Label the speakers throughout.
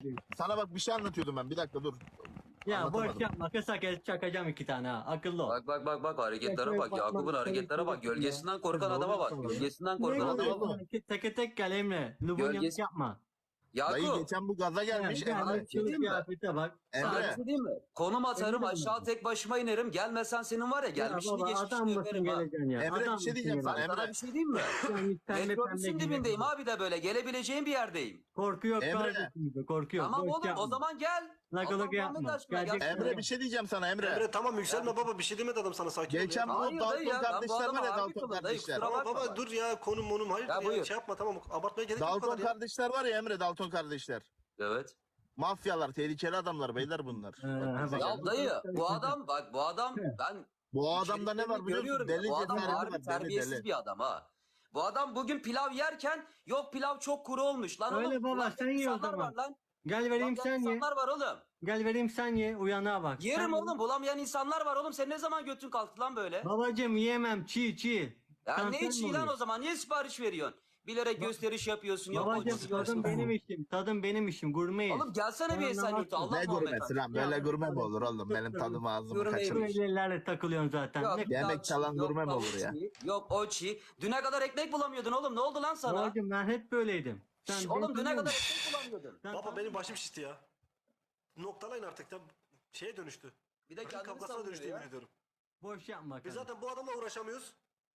Speaker 1: Sana bak bir şey anlatıyordum ben. Bir dakika dur.
Speaker 2: Ya boş
Speaker 1: Anlatamadım.
Speaker 2: yapma. Kısa kes çakacağım 2 tane ha. Akıllı ol.
Speaker 3: Bak hareketlere bak. Yakup'un hareketlere bak. Gölgesinden korkan adama bak. Gölgesinden
Speaker 2: Ne
Speaker 3: korkan
Speaker 1: oluyor
Speaker 3: adama bak.
Speaker 1: oğlum?
Speaker 2: Teke tek gel Emre. Lubunyalık
Speaker 3: Gölgesi...
Speaker 2: yapma.
Speaker 1: Dayı
Speaker 3: Yakup.
Speaker 1: geçen bu gaza gelmiş
Speaker 2: Gel
Speaker 3: Sana
Speaker 1: Emre.
Speaker 3: bir şey
Speaker 2: kılık
Speaker 3: diyeyim mi?
Speaker 2: kıyafete bak.
Speaker 3: Sana bir
Speaker 1: Emre.
Speaker 3: şey diyeyim mi? Konum atarım
Speaker 2: Emre
Speaker 3: aşağı tek başıma inerim. Gelmesen senin var ya
Speaker 2: Ya
Speaker 3: gelmişini
Speaker 2: baba
Speaker 3: geçmişini
Speaker 2: adam mısın
Speaker 3: öperim ha.
Speaker 2: geleceksin ya.
Speaker 1: Emre, bir
Speaker 2: Adam
Speaker 1: şey
Speaker 2: mısın
Speaker 1: diyeceğim sana,
Speaker 2: geleceksin?
Speaker 3: Sana
Speaker 1: Emre.
Speaker 3: bir şey diyeyim mi?
Speaker 2: Yani pembe
Speaker 3: Metrobüsün
Speaker 2: gibi.
Speaker 3: dibindeyim abi de böyle. Gelebileceğim bir yerdeyim.
Speaker 2: Korku yok
Speaker 1: Emre.
Speaker 2: kardeşim. Korku yok.
Speaker 3: Tamam
Speaker 2: Boş
Speaker 3: oğlum
Speaker 2: yapma.
Speaker 3: o zaman gel.
Speaker 2: Lagalık
Speaker 3: Allah
Speaker 2: yapma.
Speaker 3: Muhammed aşkına gel.
Speaker 2: Gelecek-
Speaker 1: Emre bir şey diyeceğim sana Emre.
Speaker 4: Emre tamam yükselme baba bir şey demedi adam sana sakin ol
Speaker 1: Geçen
Speaker 4: ya.
Speaker 1: bu
Speaker 3: Hayır dayı
Speaker 1: Dalton
Speaker 3: ya, ben bu
Speaker 1: kardeşler
Speaker 3: adama
Speaker 1: var ya,
Speaker 3: harbi
Speaker 1: Dalton
Speaker 3: kıldım dayı,
Speaker 1: kardeşler.
Speaker 3: kusura
Speaker 4: Tamam
Speaker 3: bakma
Speaker 4: baba
Speaker 3: bak.
Speaker 4: dur ya konum monum hayır
Speaker 3: Ya
Speaker 4: ya,
Speaker 3: buyur.
Speaker 4: şey yapma tamam abartmaya gerek yok bu
Speaker 1: Dalton
Speaker 4: kadar ya.
Speaker 1: kardeşler var ya Emre, Dalton kardeşler.
Speaker 3: Evet.
Speaker 1: Mafyalar, tehlikeli adamlar beyler bunlar. Bak bize
Speaker 2: bak.
Speaker 1: gel.
Speaker 3: Ya dayı bu adam bak bu adam ben
Speaker 1: Bu adamda ne var biliyor musun?
Speaker 3: görüyorum ya,
Speaker 1: Deli
Speaker 3: bu adam
Speaker 1: cesareti
Speaker 3: harbi
Speaker 1: var, deli
Speaker 3: terbiyesiz
Speaker 1: deli.
Speaker 3: bir adam ha. Bu adam bugün pilav yerken yok pilav çok kuru olmuş lan
Speaker 2: Öyle
Speaker 3: oğlum.
Speaker 2: baba,
Speaker 3: ulan
Speaker 2: sen ye o
Speaker 3: insanlar
Speaker 2: zaman.
Speaker 3: var lan.
Speaker 2: Gel vereyim
Speaker 3: Bulamayan
Speaker 2: sen ye.
Speaker 3: insanlar var oğlum.
Speaker 2: Gel vereyim sen ye. Uyanığa bak.
Speaker 3: Yerim
Speaker 2: Sen-
Speaker 3: oğlum bulamayan insanlar var oğlum. Sen ne zaman götün kalktı lan böyle?
Speaker 2: Babacım yiyemem çiğ.
Speaker 3: Ya
Speaker 2: Kanser
Speaker 3: ne
Speaker 2: mi
Speaker 3: içi lan
Speaker 2: oluyor?
Speaker 3: o zaman? Niye sipariş veriyorsun? Bilerek gösteriş yapıyorsun. Yok
Speaker 2: Babacım
Speaker 3: o
Speaker 2: tadım
Speaker 3: yiyorsun.
Speaker 2: benim işim. Tadım benim işim. Gurmeyiz.
Speaker 3: Oğlum gelsene bir
Speaker 2: Ben
Speaker 3: Esenyurt'a.
Speaker 2: anlamazsın.
Speaker 3: Allah
Speaker 1: Ne
Speaker 3: Muhammed
Speaker 1: gurmesi
Speaker 3: aşkına.
Speaker 1: lan? Böyle
Speaker 2: Ya,
Speaker 1: gurme mi
Speaker 2: böyle
Speaker 1: olur oğlum? Benim
Speaker 2: tutuyorum.
Speaker 1: tadım ağzımı
Speaker 3: Gurme
Speaker 2: Bu
Speaker 1: kaçırmış.
Speaker 2: ellerle takılıyorsun zaten.
Speaker 3: Yok
Speaker 2: Ne
Speaker 1: Yemek
Speaker 3: pilav
Speaker 1: çalan
Speaker 3: çiğ, yok
Speaker 1: gurme mi
Speaker 3: tavuk
Speaker 1: olur ya?
Speaker 3: çiğ, yok o çiğ. Düne kadar ekmek bulamıyordun oğlum. Ne oldu lan sana?
Speaker 2: babacım ben hep böyleydim.
Speaker 3: Şş,
Speaker 2: Sen
Speaker 3: oğlum
Speaker 2: beni
Speaker 3: düne
Speaker 2: tanıyor
Speaker 3: kadar
Speaker 2: musun?
Speaker 3: ekmek bulamıyordun.
Speaker 2: Sen
Speaker 4: Baba
Speaker 2: tanıyor
Speaker 4: benim
Speaker 2: musun?
Speaker 4: başım şişti ya. Noktalayın artık da şeye dönüştü.
Speaker 3: Bir de
Speaker 4: Kadın
Speaker 3: kendini
Speaker 4: kavgasına
Speaker 3: savunuyor
Speaker 4: dönüştü
Speaker 3: ya.
Speaker 4: yemin ediyorum.
Speaker 2: Boş yapma
Speaker 4: Biz
Speaker 2: kardeşim.
Speaker 4: zaten bu adamla uğraşamıyoruz.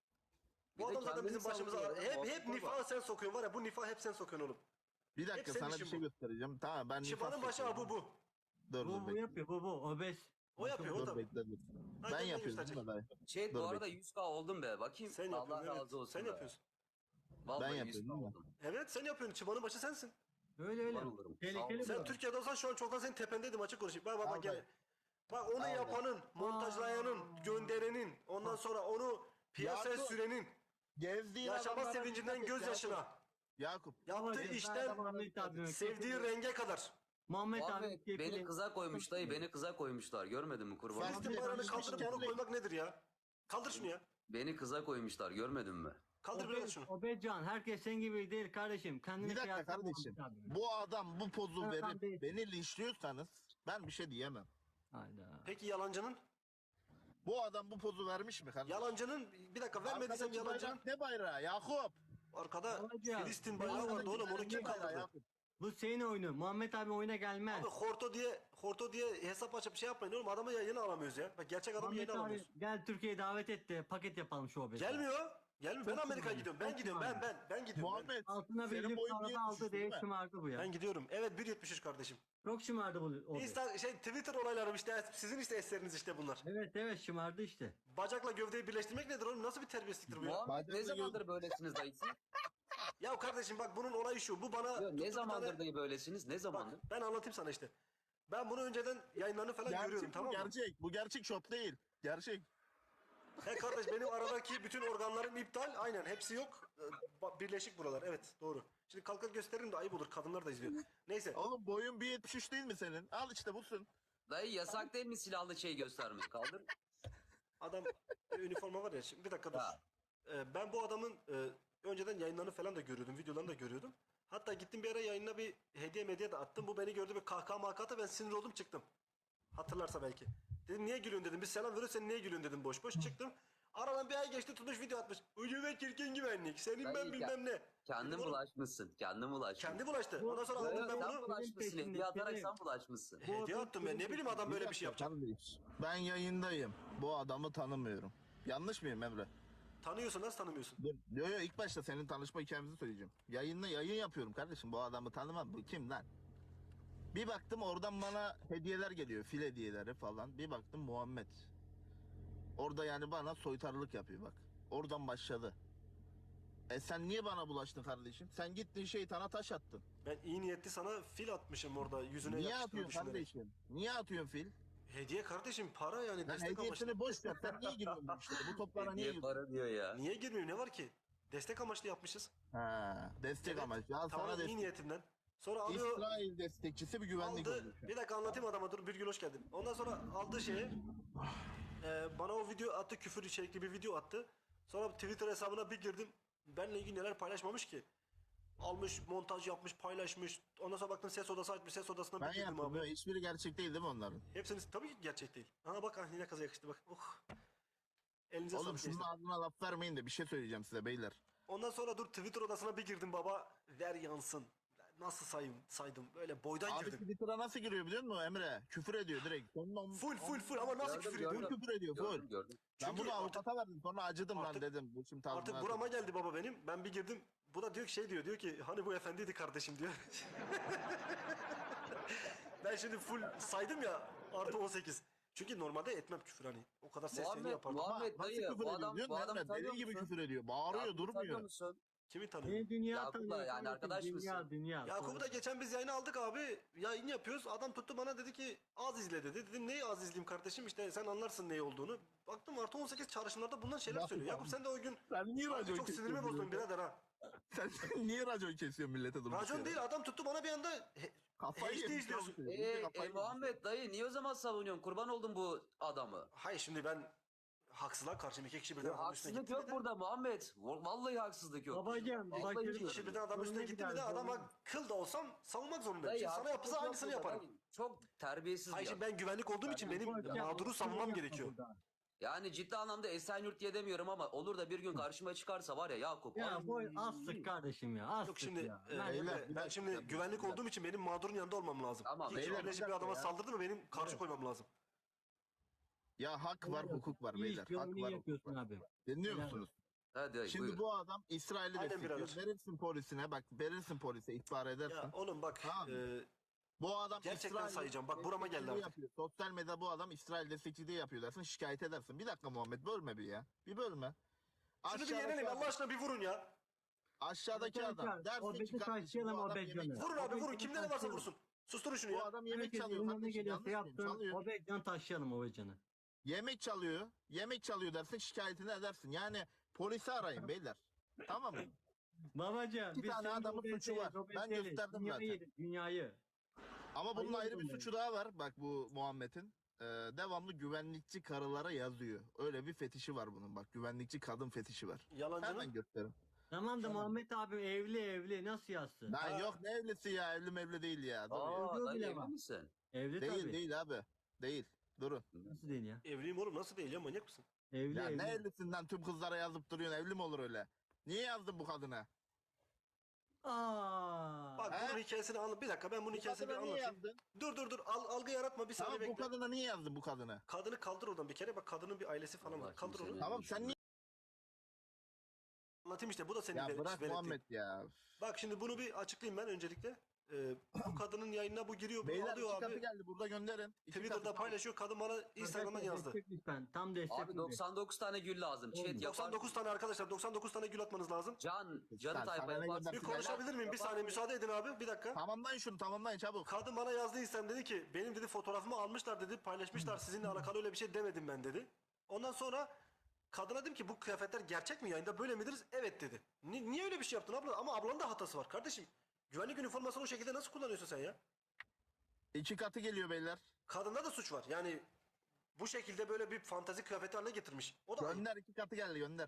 Speaker 3: Bir
Speaker 4: Bu
Speaker 3: de
Speaker 4: adam zaten
Speaker 3: kendini
Speaker 4: bizim başımıza
Speaker 3: savunuyor ya,
Speaker 4: hep
Speaker 3: muhabbet var.
Speaker 4: nifahı sen sokuyorsun var ya bu nifahı hep sen sokuyorsun oğlum.
Speaker 1: Bir dakika
Speaker 4: Hep senin
Speaker 1: sana bir
Speaker 4: işin
Speaker 1: şey
Speaker 4: bu.
Speaker 1: göstereceğim. Tamam ben
Speaker 4: Şifanın
Speaker 1: nifas
Speaker 4: başı
Speaker 1: yapıyorum.
Speaker 4: bu.
Speaker 1: Dur
Speaker 2: Bu
Speaker 1: bekle.
Speaker 2: yapıyor bu obez.
Speaker 4: O yapıyor o
Speaker 1: Dur
Speaker 4: tabii.
Speaker 1: bekle dur.
Speaker 4: Hadi
Speaker 1: Ben
Speaker 4: ben
Speaker 1: yapıyorum
Speaker 4: gösterecek.
Speaker 1: değil mi dayı?
Speaker 3: Şey
Speaker 1: Dur
Speaker 3: bu arada
Speaker 1: bekle.
Speaker 3: 100K oldum be. Bakayım.
Speaker 4: Sen
Speaker 3: Allah
Speaker 4: yapıyorsun
Speaker 3: razı
Speaker 4: evet.
Speaker 3: olsun
Speaker 4: Sen
Speaker 3: be.
Speaker 4: yapıyorsun.
Speaker 3: Vallahi
Speaker 1: Ben
Speaker 3: 100K
Speaker 1: yapıyorum, değil mi?
Speaker 3: oldum.
Speaker 4: Evet sen yapıyorsun. Çıbanın başı sensin.
Speaker 2: Öyle öyle.
Speaker 3: Var olurum.
Speaker 2: Tehlikeli
Speaker 3: Sağ ol.
Speaker 4: Sen
Speaker 2: bu.
Speaker 4: Türkiye'de olsan şu an çoktan senin tependeydim açık konuşayım. Bak
Speaker 1: Al
Speaker 4: bak gel.
Speaker 1: dayı.
Speaker 4: Bak onu
Speaker 1: Al
Speaker 4: yapanın, montajlayanın, gönderenin, ondan sonra onu piyasaya
Speaker 1: Yakup,
Speaker 4: sürenin,
Speaker 1: Gezdiğin
Speaker 4: yaşama
Speaker 1: adamlara
Speaker 4: sevincinden
Speaker 1: dikkat et
Speaker 4: gözyaşına,
Speaker 1: Yakup.
Speaker 4: yaptığı
Speaker 2: Babacım, ben
Speaker 4: işten
Speaker 2: Muhammed abime
Speaker 4: sevdiği
Speaker 2: kefil-
Speaker 4: renge kadar.
Speaker 2: Muhammed abi
Speaker 3: Muhammed beni
Speaker 2: kefili-
Speaker 3: kıza koymuş dayı. Beni kıza koymuşlar. Görmedin mi kurban?
Speaker 1: Sen-
Speaker 4: Filistin
Speaker 1: Muhammed
Speaker 4: bayrağını
Speaker 1: abi
Speaker 4: kaldırıp
Speaker 1: kendi-
Speaker 4: onu koymak nedir ya? Kaldır şunu ya.
Speaker 3: Beni kıza koymuşlar. Görmedin mi?
Speaker 4: Kaldır biraz şunu.
Speaker 2: Obezcan herkes senin gibi değil kardeşim. Kendini
Speaker 1: Bir dakika
Speaker 2: kıyasla
Speaker 1: kardeşim.
Speaker 2: Muhammed abime.
Speaker 1: Bu adam bu pozu
Speaker 2: Ben
Speaker 1: verip
Speaker 2: değilim.
Speaker 1: beni linçliyorsanız ben bir şey diyemem.
Speaker 2: Hayda.
Speaker 4: Peki yalancının?
Speaker 1: Bu adam bu pozu vermiş mi kardeşim?
Speaker 4: Yalancının bir dakika vermediysem
Speaker 1: Arkadaki
Speaker 4: yalancının
Speaker 1: bayrak ne bayrağı Yakup?
Speaker 4: arkada
Speaker 2: Babacığım,
Speaker 4: Filistin bayrağı vardı oğlum onu kim
Speaker 1: Bayrağı
Speaker 4: kaldırdı?
Speaker 1: Yakup.
Speaker 2: Bu senin oyunu. Muhammed abi oyuna gelmez.
Speaker 4: Abi horto diye hesap açıp şey yapmayın oğlum adamı yayına alamıyoruz ya. Bak gerçek adamı
Speaker 2: Muhammed
Speaker 4: yayına
Speaker 2: abi
Speaker 4: alamıyoruz.
Speaker 2: gel Türkiye'ye davet et de paket yapalım şu obezi.
Speaker 4: Gelmiyor. Gelmiyor. Ben
Speaker 2: Çok
Speaker 4: Amerika'ya
Speaker 2: şımardı,
Speaker 4: gidiyorum.
Speaker 2: çok
Speaker 4: Ben gidiyorum.
Speaker 2: şımardı.
Speaker 4: Ben gidiyorum.
Speaker 1: Muhammed
Speaker 2: Altına bir
Speaker 1: senin
Speaker 2: lüks
Speaker 1: boyun
Speaker 2: araba
Speaker 1: 1.73
Speaker 2: aldı diye
Speaker 1: değil mi?
Speaker 2: şımardı bu ya.
Speaker 4: Ben gidiyorum. Evet 1.73 kardeşim.
Speaker 2: Çok şımardı bu obez.
Speaker 4: Twitter olaylarım işte sizin işte eseriniz işte bunlar.
Speaker 2: Evet şımardı işte.
Speaker 4: Bacakla gövdeyi birleştirmek nedir oğlum? Nasıl bir terbiyesizliktir bu ya?
Speaker 3: Muhammed ne
Speaker 1: Bacakla
Speaker 3: zamandır böylesiniz dayısı?
Speaker 4: Ya kardeşim bak bunun olayı şu. Bu bana
Speaker 3: Yo,
Speaker 4: tuttu
Speaker 3: ne
Speaker 4: bir
Speaker 3: zamandır
Speaker 4: tane-
Speaker 3: dayı böylesiniz? Ne
Speaker 4: Bak
Speaker 3: zamandır?
Speaker 4: ben anlatayım sana işte. Ben bunu önceden yayınlarını falan görüyorum
Speaker 1: Gerçek bu
Speaker 4: tamam mı?
Speaker 1: gerçek. Bu gerçek şop değil. Gerçek.
Speaker 4: He kardeş benim aradaki bütün organlarım iptal. Aynen hepsi yok. Birleşik buralar. Evet doğru. Şimdi kalkıp gösteririm de ayıp olur. Kadınlar da izliyor. Neyse.
Speaker 1: Oğlum boyun 1.73 değil mi senin? Al işte busun.
Speaker 3: Dayı yasak değil mi silahlı şey göstermek? Kaldır.
Speaker 4: Adam üniforma var ya. Şimdi bir dakika dur.
Speaker 3: Ha.
Speaker 4: Ben bu adamın önceden yayınlarını falan da görüyordum. Videolarını da görüyordum. Hatta gittim bir ara yayınına bir hediye medya da attım. Bu beni gördü bir kahkaha makata ben sinir oldum çıktım. Hatırlarsa belki. Dedim niye gülüyorsun dedim. Biz selam veriyoruz sen niye gülüyorsun dedim boş boş çıktım. Aradan bir ay geçti tutmuş video atmış. Ucube çirkin güvenlik. Senin
Speaker 3: Dayı,
Speaker 4: ben bilmem ne.
Speaker 3: Kendin
Speaker 4: Dedim, oğlum,
Speaker 3: bulaşmışsın. Kendin bulaşmışsın.
Speaker 4: kendi bulaştı. Ondan sonra
Speaker 3: Yo, yo,
Speaker 4: aldım ben
Speaker 3: sen
Speaker 4: bunu.
Speaker 3: bulaşmışsın.
Speaker 2: peşinde,
Speaker 3: Hediye atarak
Speaker 2: senin.
Speaker 3: sen bulaşmışsın.
Speaker 2: Bu
Speaker 4: Hediye
Speaker 2: adam
Speaker 4: attım ben. Ne bileyim adam böyle bir şey yapacak.
Speaker 1: Kardeş, ben yayındayım. Bu adamı tanımıyorum. Yanlış mıyım Emre?
Speaker 4: Tanıyorsun nasıl tanımıyorsun?
Speaker 1: Dur. Yo ilk başta senin tanışma hikayemizi söyleyeceğim. Yayın yapıyorum kardeşim. Bu adamı tanımam. Bu kim lan? Bir baktım oradan bana hediyeler geliyor. Fil hediyeleri falan. Bir baktım Muhammed. Orada yani bana soytarılık yapıyor bak. Oradan başladı. Sen niye bana bulaştın kardeşim? Sen gittin şeytana taş attın.
Speaker 4: Ben iyi niyetli sana fil atmışım orada yüzüne
Speaker 1: Niye
Speaker 4: yapıştığını
Speaker 1: atıyorsun
Speaker 4: düşünerek.
Speaker 1: kardeşim? Niye atıyorsun fil?
Speaker 4: Hediye kardeşim para yani
Speaker 1: Lan
Speaker 4: destek amaçlı.
Speaker 1: hediyesini boş ver. Sen niye giriyorsun bu işlere? Bu toplara niye
Speaker 3: Hediye
Speaker 1: giriyorsun?
Speaker 3: para diyor ya.
Speaker 4: Niye girmiyor ne var ki? Destek amaçlı yapmışız.
Speaker 1: Ha, destek
Speaker 4: Evet,
Speaker 1: amaçlı. Al
Speaker 4: tamam
Speaker 1: sana
Speaker 4: iyi
Speaker 1: destek.
Speaker 4: niyetimden. Sonra alıyor
Speaker 1: İsrail destekçisi bir güvenlik
Speaker 4: aldı.
Speaker 1: oluyor şu an.
Speaker 4: Bir dakika anlatayım adama dur Birgül hoş geldin. Ondan sonra aldığı şeyi bana o video attı küfür içerikli bir video attı. Sonra Twitter hesabına bir girdim. Benle ilgili neler paylaşmamış ki. Almış, montaj yapmış, paylaşmış. Ondan sonra baktım ses odası açmış. Ses odasına
Speaker 1: Ben
Speaker 4: bir girdim
Speaker 1: yaptım.
Speaker 4: abi.
Speaker 1: Ya, hiçbiri gerçek değil değil mi onların?
Speaker 4: Hepsinin tabii ki gerçek değil. Aha bak yine kaza yakıştı bak. Oh. Elinize
Speaker 1: Oğlum
Speaker 4: sağlık
Speaker 1: şunun
Speaker 4: gençler.
Speaker 1: ardına laf vermeyin de bir şey söyleyeceğim size beyler.
Speaker 4: Ondan sonra dur Twitter odasına bir girdim baba. Ver yansın. Nasıl saydım? Böyle boydan
Speaker 1: Abi
Speaker 4: girdim.
Speaker 1: Twitter'a nasıl giriyor biliyor musun Emre? Küfür ediyor direkt.
Speaker 4: Full ama nasıl
Speaker 3: Gördüm,
Speaker 4: küfür ediyor?
Speaker 3: gördüm.
Speaker 1: Küfür ediyor full.
Speaker 3: Gördüm.
Speaker 1: Ben
Speaker 4: Çünkü
Speaker 1: bunu
Speaker 4: artık-
Speaker 1: avukata verdim sonra acıdım lan
Speaker 4: artık-
Speaker 1: dedim. Bu şimdi
Speaker 4: Artık
Speaker 1: tazminatı.
Speaker 4: burama geldi baba benim. Ben bir girdim. Bu da diyor ki diyor ki hani bu efendiydi kardeşim diyor. Ben şimdi full saydım ya artı 18. Çünkü normalde etmem küfür hani. O kadar seslerini yapardım.
Speaker 3: Muhammed
Speaker 1: Nasıl
Speaker 3: dayı
Speaker 1: küfür
Speaker 3: bu
Speaker 1: ediyor
Speaker 3: adam
Speaker 1: biliyor
Speaker 3: bu
Speaker 1: musun
Speaker 3: adam
Speaker 1: Emre?
Speaker 3: tanıyor
Speaker 1: Deli gibi
Speaker 3: musun?
Speaker 1: küfür ediyor. Bağırıyor
Speaker 3: Yakup'u tanıyor
Speaker 1: durmuyor.
Speaker 3: musun?
Speaker 4: Kimi tanıyor?
Speaker 2: Beni dünya
Speaker 3: Yakup'la
Speaker 2: tanıyor.
Speaker 3: yani
Speaker 2: kardeşim,
Speaker 3: arkadaş
Speaker 2: dünya,
Speaker 3: mısın?
Speaker 2: Dünya.
Speaker 4: Yakup'u da geçen biz yayına aldık abi. Yayın yapıyoruz. Adam tuttu bana dedi ki az izle dedi. Dedim neyi az izleyeyim kardeşim işte sen anlarsın ne olduğunu. Baktım artı 18 çağrışımlarda bundan şeyler
Speaker 1: Yakup
Speaker 4: söylüyor.
Speaker 1: abi.
Speaker 4: Yakup sen de o gün
Speaker 1: Sen niye
Speaker 4: Abi
Speaker 1: racon
Speaker 4: çok sinirimi
Speaker 1: kesiyorsun
Speaker 4: bozdun
Speaker 1: millete?
Speaker 4: birader ha.
Speaker 1: Sen niye racon kesiyorsun millete durduk
Speaker 4: Racon
Speaker 1: yere?
Speaker 4: değil adam tuttu bana bir anda
Speaker 1: Kafayı
Speaker 4: HD
Speaker 1: yemiş
Speaker 4: izliyorsun.
Speaker 1: abi. Kafayı yemiş.
Speaker 3: Muhammed dayı niye o zaman savunuyorsun? Kurban oldum bu adamı.
Speaker 4: Hayır şimdi ben haksızlığa karşıyım. İki kişi birden adamın üstüne
Speaker 3: Haksızlık
Speaker 4: gitti
Speaker 3: yok
Speaker 4: mi de.
Speaker 3: burada Muhammed. Vallahi haksızlık yok.
Speaker 2: Babacığım,
Speaker 3: Vallahi
Speaker 2: bak,
Speaker 3: yok.
Speaker 4: İki kişi birden adamın üstüne
Speaker 2: Soruna
Speaker 4: gitti mi de
Speaker 2: gider,
Speaker 4: adama
Speaker 2: soruna.
Speaker 4: kıl da olsam savunmak zorundayım.
Speaker 3: Dayı,
Speaker 4: Şimdi sana
Speaker 3: haksızlık
Speaker 4: yapsa
Speaker 3: yok
Speaker 4: aynısını
Speaker 3: burada,
Speaker 4: yaparım.
Speaker 3: dayı. Çok terbiyesiz
Speaker 4: Hayır
Speaker 3: bir
Speaker 4: şimdi
Speaker 3: adam.
Speaker 4: ben güvenlik olduğum için benim
Speaker 2: Hocam,
Speaker 4: mağduru savunmam
Speaker 2: yapma
Speaker 4: gerekiyor.
Speaker 2: burada.
Speaker 3: Yani ciddi anlamda Esenyurt diye demiyorum ama olur da bir gün karşıma çıkarsa var ya Yakup.
Speaker 2: Ya
Speaker 3: ay.
Speaker 2: bu astık kardeşim ya. Astık
Speaker 4: Yok şimdi
Speaker 2: ya.
Speaker 1: beyler,
Speaker 4: Emre,
Speaker 1: bir
Speaker 4: ben
Speaker 1: dakika,
Speaker 4: şimdi
Speaker 1: bir dakika,
Speaker 4: güvenlik
Speaker 1: bir dakika.
Speaker 4: olduğum için benim mağdurun yanında olmam lazım.
Speaker 3: Tamam,
Speaker 4: İki kişi
Speaker 1: beyler,
Speaker 4: birleşip
Speaker 1: bir
Speaker 4: bir adama
Speaker 1: dakika ya.
Speaker 4: saldırdı mı benim karşı koymam lazım.
Speaker 1: Ya hak var hukuk var
Speaker 2: İyi
Speaker 1: beyler.
Speaker 2: iş, yolunu
Speaker 1: Hak
Speaker 2: iyi
Speaker 1: var hukuk
Speaker 2: yapıyorsun
Speaker 1: var.
Speaker 2: abi.
Speaker 1: Dinliyor
Speaker 2: Helal
Speaker 1: musunuz?
Speaker 3: Hadi dayı,
Speaker 1: Şimdi
Speaker 3: buyur.
Speaker 1: bu adam İsrail'i
Speaker 4: Aynen
Speaker 1: destekliyor.
Speaker 4: birader.
Speaker 1: Verirsin polisine bak verirsin polise ihbar edersin.
Speaker 4: Ya oğlum bak
Speaker 1: Tamam.
Speaker 4: e,
Speaker 1: Bu adam
Speaker 4: Gerçekten
Speaker 1: İsrail
Speaker 4: sayacağım. Bak burama geldi
Speaker 1: destekçiliği
Speaker 4: artık.
Speaker 1: yapıyor. Sosyal medyada bu adam İsrail destekçiliği yapıyor dersin şikayet edersin. Bir dakika Muhammed bölme bir ya. Bir bölme.
Speaker 4: şunu bir yenelim Allah aşkına bir vurun ya.
Speaker 1: Aşağıdaki adam dersin
Speaker 2: O
Speaker 1: ki
Speaker 2: beti
Speaker 1: kardeşim bu
Speaker 2: taşıyalım o
Speaker 1: adam yemek
Speaker 2: Beccan'ı.
Speaker 4: Vurun abi vurun kimde ne varsa
Speaker 2: taşıyalım.
Speaker 4: vursun. Susturun şunu
Speaker 1: Bu
Speaker 4: ya.
Speaker 1: adam yemek
Speaker 2: Herkes
Speaker 1: çalıyor
Speaker 2: önüne
Speaker 1: kardeşim.
Speaker 2: geliyorsa
Speaker 1: Yanlış mıyım?
Speaker 2: yapsın.
Speaker 1: Çalıyor.
Speaker 2: O Beccan'ı taşıyalım o Beccan'ı.
Speaker 1: Yemek çalıyor. Yemek çalıyor dersin şikayetini edersin. Yani polisi arayın beyler. Tamam mı?
Speaker 2: Babacığım
Speaker 1: İki
Speaker 2: biz
Speaker 1: tane
Speaker 2: senin
Speaker 1: adamın suçu var. Ben gösterdim
Speaker 2: dünyayı
Speaker 1: zaten.
Speaker 2: yedik, dünyayı.
Speaker 1: Ama bunun
Speaker 2: Hayır,
Speaker 1: ayrı bir
Speaker 2: bunları.
Speaker 1: suçu daha var. Bak bu Muhammed'in. Devamlı güvenlikçi karılara yazıyor. Öyle bir fetişi var bunun. Bak güvenlikçi kadın fetişi var. Hemen
Speaker 4: Yalancının.
Speaker 1: gösterin.
Speaker 2: Tamam da Muhammed abi evli nasıl yazsın?
Speaker 1: Lan
Speaker 4: Ha.
Speaker 1: yok ne evlisi ya. Evli mevli değil ya. Dur ya.
Speaker 3: Aa
Speaker 2: Çocuğu
Speaker 3: dayı
Speaker 2: bile
Speaker 3: emin
Speaker 2: var.
Speaker 3: misin?
Speaker 2: Evli
Speaker 1: Değil
Speaker 2: tabii.
Speaker 1: değil abi. Değil. Durun.
Speaker 2: Nasıl değil ya?
Speaker 4: Evliyim oğlum nasıl değil ya manyak mısın?
Speaker 2: Evli
Speaker 1: Ya
Speaker 2: evli.
Speaker 1: ne evlisinden tüm kızlara yazıp duruyorsun. Evli mi olur öyle? Niye yazdın bu kadına?
Speaker 2: Aa.
Speaker 4: Bak
Speaker 1: He?
Speaker 4: bunun hikayesini anlat. Bir dakika ben bunun
Speaker 1: Bu
Speaker 4: hikayesini bir
Speaker 1: kadına niye
Speaker 4: anlatayım.
Speaker 1: yazdın?
Speaker 4: Dur algı yaratma bir saniye
Speaker 1: Tamam bu
Speaker 4: bekle.
Speaker 1: kadına niye yazdın bu kadını?
Speaker 4: Kadını kaldır oradan bir kere bak kadının bir ailesi falan
Speaker 3: Allah
Speaker 4: var. Kaldır
Speaker 3: kimsenin
Speaker 4: onu.
Speaker 1: Tamam sen niye?
Speaker 4: Anlatayım işte bu da senin
Speaker 1: Ya bırak
Speaker 4: belirttiğin.
Speaker 1: Muhammed ya.
Speaker 4: Bak şimdi bunu bir açıklayayım ben öncelikle. Bu kadının yayınına bu giriyor, bunu
Speaker 1: Beyler
Speaker 4: alıyor
Speaker 1: iki katı
Speaker 4: abi.
Speaker 1: geldi burada gönderin. İki
Speaker 4: Twitter'da
Speaker 1: katı.
Speaker 4: paylaşıyor. Kadın bana Instagram'dan yazdı.
Speaker 2: Destek lütfen. Tam destek.
Speaker 3: Abi 99 tane gül lazım. Chat
Speaker 2: Olmuyor.
Speaker 3: yapar.
Speaker 4: 99 tane arkadaşlar 99 tane gül atmanız lazım.
Speaker 3: Canı
Speaker 1: Sen
Speaker 3: tayfa
Speaker 1: sana ne
Speaker 3: yaparsın.
Speaker 1: gönder-
Speaker 4: Bir konuşabilir miyim? Bir saniye müsaade edin abi. Bir dakika.
Speaker 1: Tamamlayın şunu tamamlayın çabuk.
Speaker 4: Kadın bana yazdı Instagram dedi ki benim dedi fotoğrafımı almışlar dedi paylaşmışlar sizinle alakalı öyle bir şey demedim ben dedi. Ondan sonra kadına dedim ki bu kıyafetler gerçek mi yayında böyle midir? Evet dedi. Niye öyle bir şey yaptın abla? Ama ablanın da hatası var kardeşim. Güvenlik üniformasını o şekilde nasıl kullanıyorsun sen ya?
Speaker 1: İki katı geliyor beyler.
Speaker 4: Kadında da suç var. Yani bu şekilde böyle bir fantezi kıyafeti haline getirmiş. O da ayıp.
Speaker 1: Gönder iki katı geldi gönder.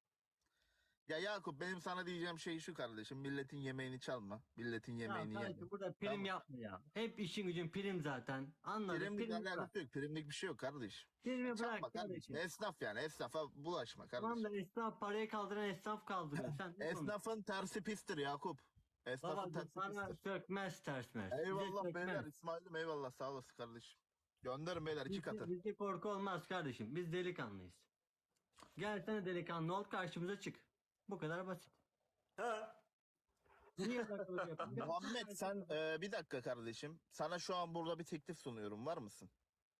Speaker 1: Ya Yakup benim sana diyeceğim şey şu kardeşim. Milletin yemeğini çalma. Milletin yemeğini
Speaker 2: Ya
Speaker 1: yeme.
Speaker 2: sanki burada prim
Speaker 1: Tamam.
Speaker 2: yapma ya. Hep işin gücün prim zaten. Anladık.
Speaker 1: Primlik
Speaker 2: Primi bırak.
Speaker 1: alakası yok. Primlik bir şey yok kardeş.
Speaker 2: Primi
Speaker 1: Çalma
Speaker 2: bırak
Speaker 1: kardeşim.
Speaker 2: kardeşim.
Speaker 1: Esnaf yani. Esnafa bulaşma kardeşim.
Speaker 2: Tamam da esnaf parayı kaldıran esnaf kaldırıyor. Sen ne konuşuyorsun?
Speaker 1: Esnafın tersi pistir Yakup. Esnafın
Speaker 2: Babacığım
Speaker 1: tersi
Speaker 2: sana
Speaker 1: pistir.
Speaker 2: sökmez tersmez. Bize
Speaker 1: Eyvallah
Speaker 2: sökmez.
Speaker 1: beyler. İsmail'im eyvallah sağ olasın kardeşim. Gönderin beyler iki katı.
Speaker 2: Bizde korku olmaz kardeşim. Biz delikanlıyız. Gelsene delikanlı ol karşımıza çık. Bu kadar basit.
Speaker 4: Ha.
Speaker 2: Niye yalakalık yapıyorsun?
Speaker 1: Muhammed sen bir dakika kardeşim. Sana şu an burada bir teklif sunuyorum. Var mısın?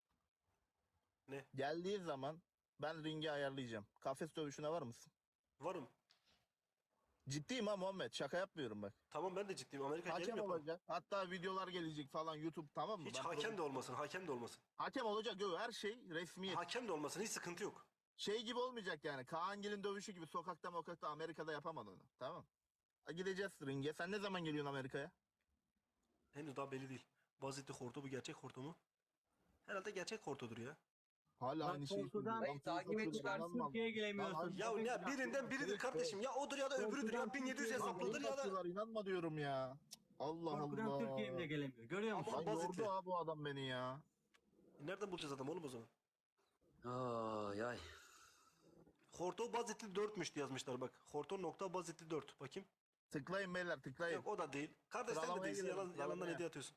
Speaker 4: Ne?
Speaker 1: Geldiği zaman ben ringi ayarlayacağım. Kafes dövüşüne var mısın?
Speaker 4: Varım.
Speaker 1: Ciddiyim ha Muhammed. Şaka yapmıyorum bak.
Speaker 4: Tamam ben de ciddiyim. Amerika
Speaker 1: Hakem
Speaker 4: gelim yapalım.
Speaker 1: olacak. Hatta videolar gelecek falan YouTube tamam mı?
Speaker 4: Hiç
Speaker 1: Ben
Speaker 4: hakem de olmasın. Hakem de olmasın.
Speaker 1: Hakem olacak yok her şey resmiyet.
Speaker 4: Hakem de olmasın. Hiç sıkıntı yok.
Speaker 1: Şey gibi olmayacak yani. Kaan Gil'in dövüşü gibi sokakta Amerika'da yapamadı onu. Tamam. Gideceğiz ringe. Sen ne zaman geliyorsun Amerika'ya?
Speaker 4: Henüz daha belli değil. Vaziyette horto bu gerçek horto mu? Herhalde gerçek hortodur ya.
Speaker 1: Hala
Speaker 2: Bak,
Speaker 1: aynı şeyi
Speaker 2: korkudan-
Speaker 1: söylüyor.
Speaker 3: Dayı takip et çıkarsın.
Speaker 2: Türkiye'ye gelemiyorsun.
Speaker 4: Ya ne birinden biridir kardeşim. Ya odur ya da öbürüdür ya 1700 hesaplıdır ya da.
Speaker 1: İnanma diyorum ya. Allah
Speaker 2: Korkudan
Speaker 1: Allah.
Speaker 2: Türkiye'ye bile gelemiyor. Görüyor musun?
Speaker 4: Ama-
Speaker 1: Lan
Speaker 4: Baziti.
Speaker 1: yordu ha bu adam beni ya.
Speaker 4: Nereden bulacağız adam oğlum o zaman?
Speaker 3: Ay ay.
Speaker 4: Horto bazitli 4'müş yazmışlar bak. Horto.bazitli 4. Bakayım.
Speaker 1: Tıklayın beyler tıklayın.
Speaker 4: Yok o da değil. Kardeş sen de
Speaker 1: Sıralamaya
Speaker 4: değilsin.
Speaker 1: girelim,
Speaker 4: Yalandan
Speaker 1: sıralamaya.
Speaker 4: hediye atıyorsun.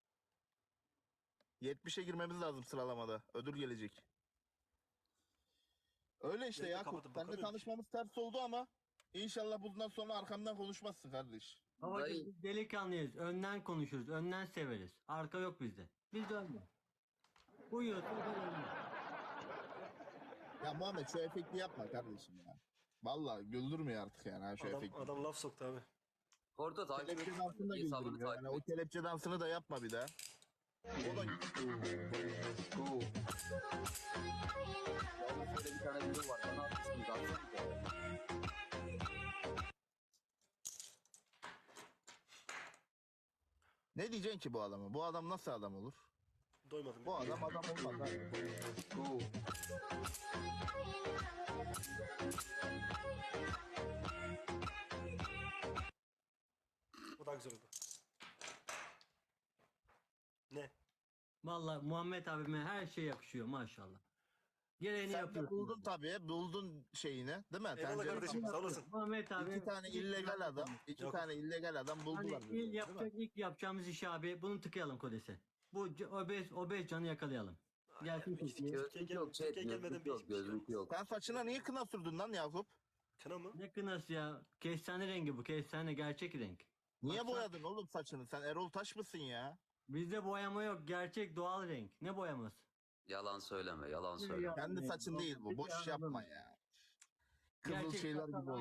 Speaker 1: 70'e girmemiz lazım sıralamada. Ödül gelecek. Öyle işte
Speaker 4: Yayını
Speaker 1: Yakup.
Speaker 4: kapatıp
Speaker 1: Seninle
Speaker 4: bakamıyorum
Speaker 1: tanışmamız ters oldu ama inşallah bundan sonra arkamdan konuşmazsın kardeş.
Speaker 2: Babacım
Speaker 3: Dayı-
Speaker 2: biz delikanlıyız. Önden konuşuruz. Önden severiz. Arka yok bizde. Biz de önden. Uyuyorsa o da önden.
Speaker 1: Ya Muhammed şu efekti yapma kardeşim ya. Vallahi güldürmüyor artık yani ha şu efekti.
Speaker 4: Adam laf soktu abi.
Speaker 3: Porto takip et.
Speaker 1: Kelepçe dansını da
Speaker 3: Hesabını
Speaker 1: güldürmüyor.
Speaker 3: takip
Speaker 1: Yani o
Speaker 3: et.
Speaker 1: kelepçe dansını da yapma bir daha. O da
Speaker 3: Yalnız şöyle bir tane video var. Bana atmışsınız. Atsanıza.
Speaker 1: Ne diyeceksin ki bu adama? Bu adam nasıl adam olur?
Speaker 4: Doymadım.
Speaker 1: Bu adam adam olmaz ha.
Speaker 4: O daha güzel oldu. Ne?
Speaker 2: Vallahi Muhammed abime her şey yakışıyor maşallah. Gereğini
Speaker 1: Sen de
Speaker 2: yapıyorsun.
Speaker 1: buldun tabii. Buldun şeyini. Değil mi?
Speaker 4: Eyvallah
Speaker 1: Tencere-
Speaker 4: kardeşim sağ olasın.
Speaker 2: Muhammed abi.
Speaker 1: İki tane illegal adam. İki
Speaker 4: Yok.
Speaker 1: tane illegal adam
Speaker 2: Hani
Speaker 1: buldular. birbirlerini, değil mi?
Speaker 2: ilk yapacağımız iş abi bunu tıkayalım kodese. Bu obez canı yakalayalım. Gelsin Türkiye.
Speaker 3: Gözlük yok. Chat.
Speaker 4: Türkiye gelmeden
Speaker 3: Gözlük
Speaker 4: bir
Speaker 3: yok.
Speaker 4: hiçbir şey yok.
Speaker 3: Gözlük yok.
Speaker 1: Sen saçına niye kına sürdün lan Yakup?
Speaker 4: Kına mı?
Speaker 2: Ne kınası ya? Kestane rengi bu. Kestane gerçek renk.
Speaker 1: Niye
Speaker 2: Baksana.
Speaker 1: boyadın oğlum saçını? Sen Erol Taş mısın ya?
Speaker 2: Bizde boyama yok. Gerçek doğal renk. Ne boyaması?
Speaker 3: Yalan söyleme. Yalan söyleme.
Speaker 2: Ya-
Speaker 1: Kendi
Speaker 2: Ne?
Speaker 1: saçın değil bu. Boş
Speaker 2: Ya-
Speaker 1: yapma ya. Kızıl
Speaker 2: Gerçek
Speaker 1: şeyler
Speaker 2: sakal
Speaker 1: gibi oldu.